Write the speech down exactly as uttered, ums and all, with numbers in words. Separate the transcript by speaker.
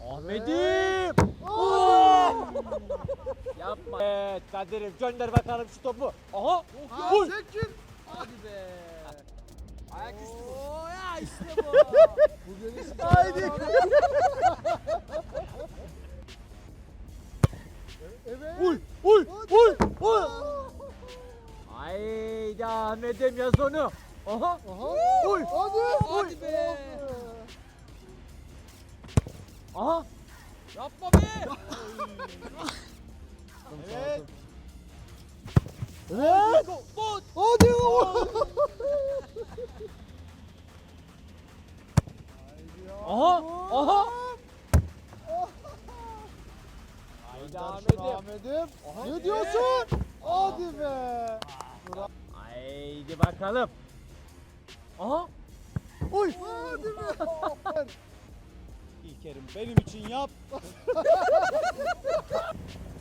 Speaker 1: Ahmet'im. Oo! Yapma. Evet Kadir'im gönder bakalım şu topu. Aha. Vur.
Speaker 2: Tekin.
Speaker 3: Hadi be.
Speaker 2: Ayak üstü bu.
Speaker 3: Oo ya işte bu.
Speaker 2: Bu gelişi.
Speaker 1: Haydi.
Speaker 2: Evet.
Speaker 1: Uy uy uy uy. Haydi Ahmet'im yaz onu. Aha.
Speaker 2: Aha.
Speaker 1: Uy.
Speaker 2: Hadi.
Speaker 3: Hadi be.
Speaker 1: Aha.
Speaker 3: Yapma be.
Speaker 1: Evet.
Speaker 2: Evet.
Speaker 3: Bot.
Speaker 2: Hadi.
Speaker 1: Aha. Aha. Haydi
Speaker 2: Ahmet'im.
Speaker 1: Ahmet'im.
Speaker 2: Ahmet'im.
Speaker 1: Aha.
Speaker 2: Ne diyorsun? Hadi be.
Speaker 1: Haydi bakalım. Aha. Uy.
Speaker 2: Hadi be.
Speaker 1: İlkerim benim için yap.